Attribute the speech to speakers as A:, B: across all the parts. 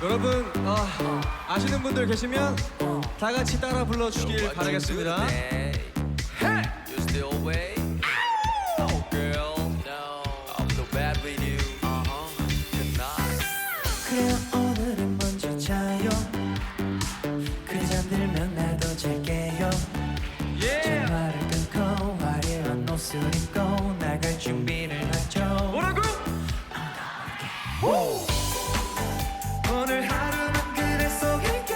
A: 여러분 아시는 분들 계시면 다 같이 따라 불러주길 바라겠습니다.
B: 그래요 오늘은 먼저 자요 그래 잠들면 나도 잘게요 전화를 끊고 화려한 옷을 입고 나갈 준비를 하죠
A: 뭐라고?
B: 오늘 하루는 그래 속일게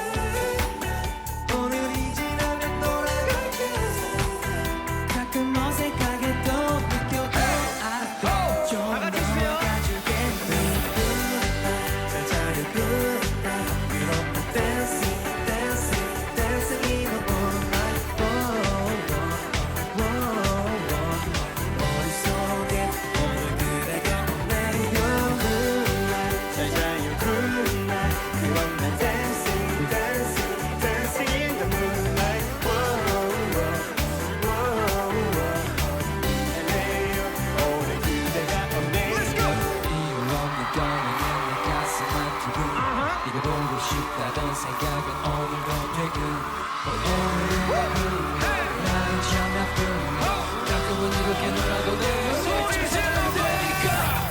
B: 오늘이 지나면 돌아갈게 가끔 어색하게 또 느껴도 알아 좀 넘어가주겠니 잘 자요 good night We don't know dancing, dancing, dancing in the moonlight 머릿속에 오늘 그대가 없네요 Moonlight 잘 자요 good night 그럼 난 dancing, dancing, dancing in the moonlight 오늘 그대가 없네요 이유 없는 떠나는 내 가슴 아프고 이거 보고 싶다던 생각은 오늘도 퇴근 오늘은 나는 참 나쁜 가끔은 이렇게 놀아도 돼 소리 지르면 되니까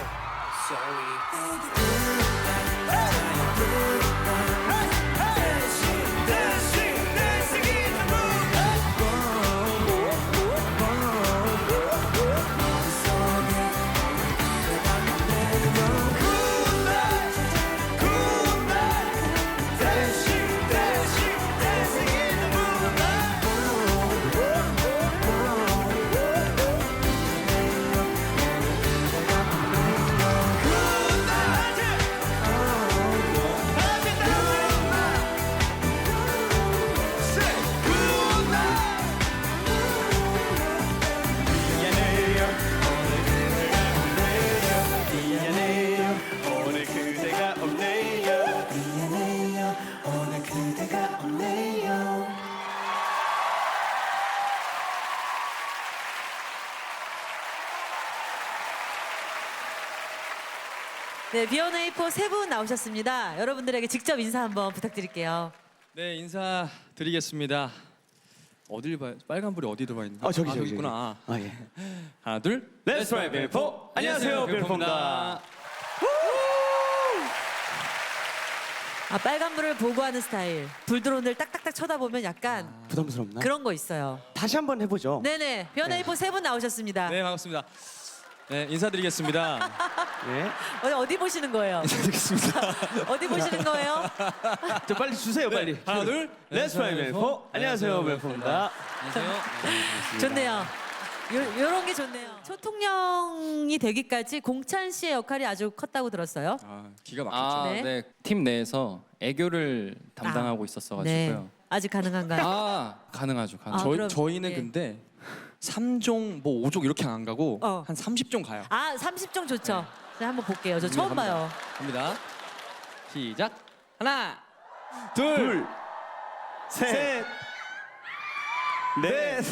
B: 오늘 그대가 없네요 미안해요 오늘 그대가 없네요
C: 네, 비욘에이포 세 분 나오셨습니다. 여러분들에게 직접 인사 한번 부탁드릴게요.
A: 네, 인사드리겠습니다. 어딜 봐요? 빨간불이 어디 들어와 있나?
D: 저기
A: 있구나.
D: 아 예.
A: 하나, 둘.
D: Let's try 벨포. 안녕하세요, 벨포입니다.
C: 아, 빨간불을 보고 하는 스타일. 불 들어오는 데를 딱딱딱 쳐다보면 약간
D: 부담스럽나?
C: 그런 거 있어요.
D: 다시 한번 해보죠.
C: 네네, 비욘에이포 세 분 나오셨습니다.
A: 네, 반갑습니다. 네, 인사드리겠습니다.
D: 예.
C: 어디 보시는 거예요?
A: 인사드리겠습니다.
C: 어디 보시는 거예요?
D: 저 빨리 주세요, 빨리.
A: 하나, 둘.
D: Let's try 벨포. 안녕하세요, 벨포입니다.
A: 안녕하세요.
C: 좋네요. 요런 게 좋네요. 초통령이 되기까지 공찬 씨의 역할이 아주 컸다고 들었어요.
A: 아, 기가 막혔죠.
C: 네.
E: 네. 팀 내에서 애교를 담당하고
C: 네,
E: 있었어가지고요.
C: 아직 가능한가요?
E: 아, 가능하죠.
C: 아, 그럼,
A: 저희는
C: 예.
A: 근데 3종, 뭐 5종 이렇게 안 가고 한 30종 가요.
C: 아, 30종 좋죠. 자, 한번 볼게요. 저 처음 봐요.
A: 갑니다. 시작. 하나,
D: 둘, 셋, 넷.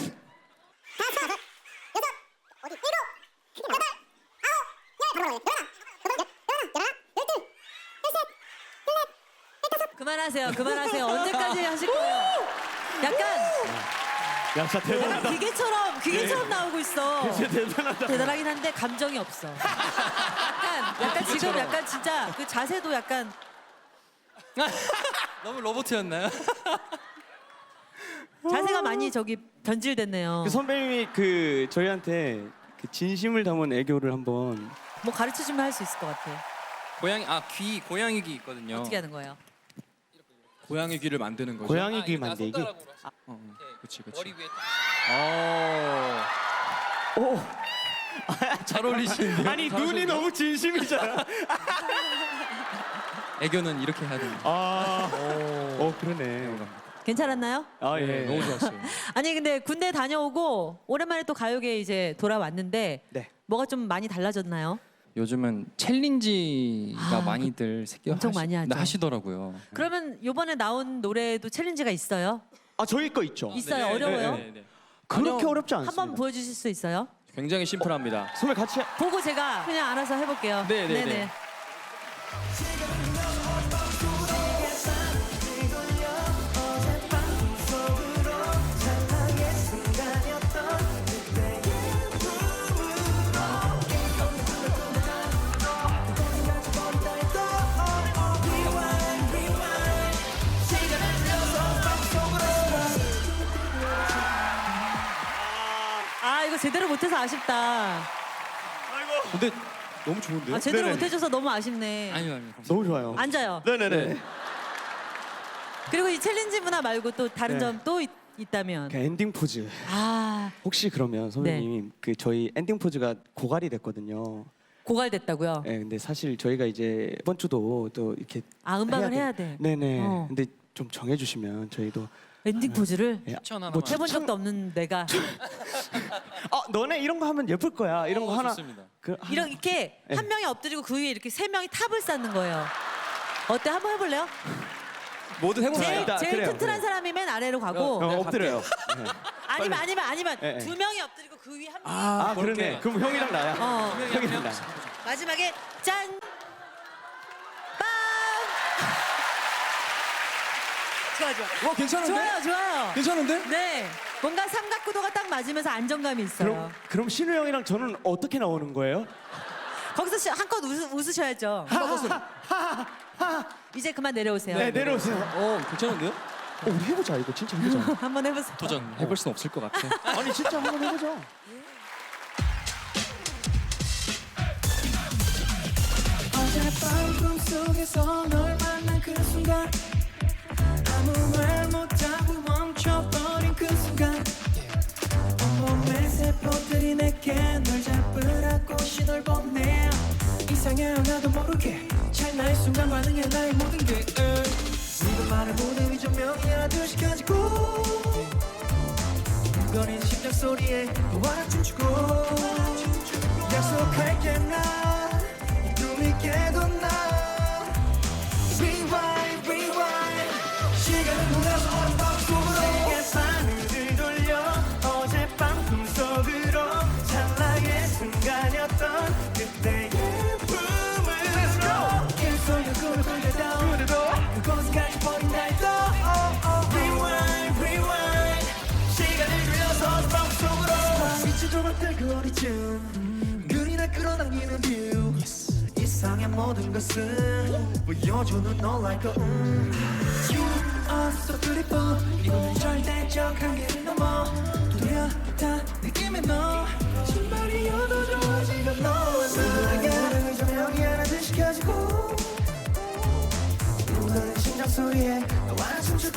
C: 그만하세요. 언제까지 하실 거예요? 약간
D: 야, 진짜 대단하다.
C: 기계처럼 나오고 있어.
D: 진짜 대단하다.
C: 대단하긴 한데 감정이 없어. 약간 지금 약간 진짜 그 자세도 약간
A: 너무 로봇이었나요?
C: 자세가 많이 저기 변질됐네요.
D: 그 선배님이 그 저희한테 그 진심을 담은 애교를 한번.
C: 뭐 가르쳐 주면 할 수 있을 것 같아.
E: 고양이 귀 있거든요.
C: 어떻게 하는 거예요?
A: 고양이 귀를 만드는 거죠.
D: 고양이 귀 만들기.
A: 그렇지.
E: 머리 위에
D: 오.
A: 잘 어울리시는데요?
D: 아니 눈이 너무 진심이잖아.
A: 애교는 이렇게 해야 됩니다.
D: 그러네.
C: 괜찮았나요?
D: 아 예.
A: 네, 너무 좋았어요.
C: 아니 근데 군대 다녀오고 오랜만에 또 가요계 이제 돌아왔는데
D: 네.
C: 뭐가 좀 많이 달라졌나요?
E: 요즘은 챌린지가 많이들
C: 엄청 많이 하죠.
E: 하시더라고요.
C: 그러면 이번에 나온 노래도 챌린지가 있어요?
D: 아 저희 거 있죠.
C: 있어요.
A: 네,
C: 어려워요?
A: 네.
D: 그렇게 어렵지 않습니다.
C: 한번 보여주실 수 있어요?
A: 굉장히 심플합니다.
D: 선배 같이
C: 보고 제가 그냥 알아서 해볼게요.
A: 네.
C: 아 이거 제대로 못해서 아쉽다.
D: 근데 너무 좋은데요?
C: 아 제대로
D: 네네.
C: 못해줘서 너무 아쉽네.
E: 아니요, 아니요.
D: 너무 좋아요.
C: 앉아요.
D: 네네네.
C: 그리고 이 챌린지 문화 말고 또 다른
D: 네.
C: 점 또 있다면.
D: 그 엔딩 포즈.
C: 아
D: 혹시 그러면 선배님
C: 네.
D: 그 저희 엔딩 포즈가 고갈이 됐거든요.
C: 고갈됐다고요?
D: 네, 근데 사실 저희가 이제 이번 주도 또 이렇게
C: 아 음방을 해야
D: 돼.
C: 돼.
D: 네네.
C: 어.
D: 근데 좀 정해주시면 저희도
C: 엔딩 포즈를
D: 예,
E: 추천 하나만.
D: 뭐
C: 해본 적도 없는 내가
D: 너네 이런 거 하면 예쁠 거야. 이런 거 하나.
E: 좋습니다.
D: 그 하나-
C: 이렇게
D: 네.
C: 한 명이 엎드리고 그 위에 이렇게 세 명이 탑을 쌓는 거예요. 어때? 한번 해볼래요?
D: 뭐든 해봅시다.
C: 제일,
D: 일단
C: 제일
D: 그래요.
C: 튼튼한 사람이 맨 아래로 가고
D: 엎드려요. 네.
C: 아니면
D: 네, 네.
C: 두 명이 엎드리고 그 위에 한 명이
D: 아
E: 그렇게.
D: 그러네. 그럼 형이랑 나야. 형이랑 나.
C: 마지막에 짠! 빵! 좋아.
A: 와 괜찮은데?
C: 좋아요.
A: 괜찮은데?
C: 네. 뭔가 삼각구도가 딱 맞으면서 안정감이 있어요.
D: 그럼 신우 형이랑 저는 어떻게 나오는 거예요?
C: 거기서 한껏 웃으셔야죠. 이제 그만 내려오세요.
D: 네 내려오세요.
A: 괜찮은데요?
D: 우리 해보자 이거 진짜 해보자.
C: 한번 해보세요.
E: 도전 해볼 수는 없을 것 같아.
D: 아니 진짜 한번 해보자.
B: 어젯밤 꿈속에서 널 만난 그 순간 아무 말 못하고 멈춰버린 그 순간 온몸의 세포들이 내게 널 잡으라고 신호를 보내 이상해 나도 모르게 찰나의 순간 반응해 나의 모든 게 네가 말을 무대 위 조명이라듯이 켜지고 거리는 심장 소리에 너와 춤추고 약속할게 난이 꿈이 깨도 나 Rewind, rewind 시간을 돌아서 어젯밤 속으로 내게 바늘을 돌려 어젯밤 꿈속으로 찰나의 순간이었던 그때의 꿈으로 계속 꿈을 꾸려도 그곳까지 버린 날도 Rewind, rewind 시간을 돌려서 어젯밤 속으로 빛이 조각될 거리쯤 그리나 끌어당기는 뷰 이상의 모든 것은 보여주는 너 like a You are so beautiful 이거는 절대적 한계를 넘어 뚜렷한 느낌의 너 신발이어도 좋아 지금 너와 나의 조명이 하나씩 켜지고 울리는 심장 소리에 너와 춤추고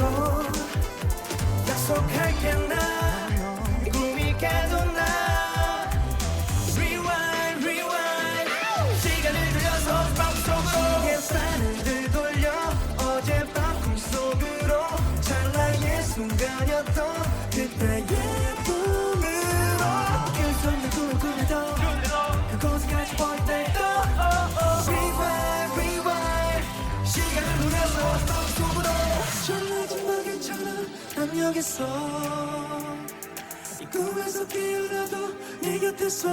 B: 약속할게 난이 꿈이 깨도 나 Rewind, rewind 시간을 돌려서 어젯밤 속으로 계산을 돌려 어젯밤 꿈속으로 찰나의 순간이었던 그때의 꿈으로 계속 꿈을 꾸며도 그곳까지 버린 날도 Rewind, rewind 시간을 돌려서 어젯밤 속으로 전해진 먹이처럼 난 여기서 이 꿈에서 깨어나도 네 곁에서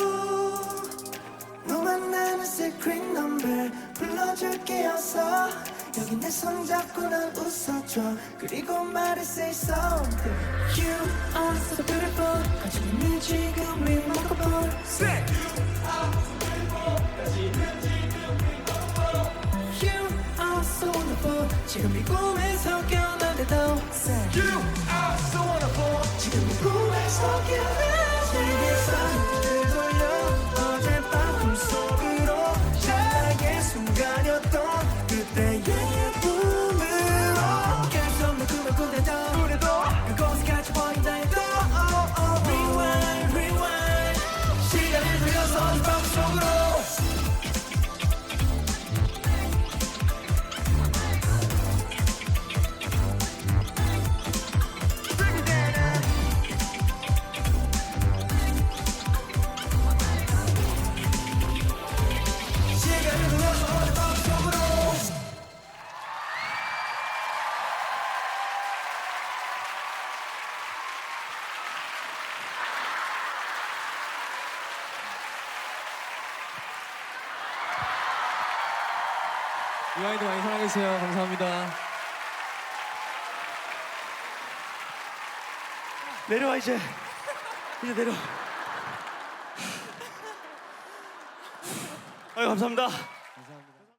B: 너만 나는 secret number 불러줄게 어서 여기 내 손 잡고 난 웃어줘 그리고 말해 say something You are so beautiful 가지고 있는 지금 remarkable Say You are so wonderful 지금 이 꿈에서 깨어나는데도 Say You are so wonderful 지금 이 꿈에서 깨어나 내게 손을 돌려 어젯밤 꿈속으로 찰나의 순간이었던 그때의 꿈으로 계속 내 꿈을 꾸려도 그곳까지 버린다 해도 Rewind, rewind 시간을 돌려서 어젯밤 속으로
A: 유아이도 많이 사랑해주세요. 감사합니다.
D: 내려와 이제 내려. 아유 감사합니다.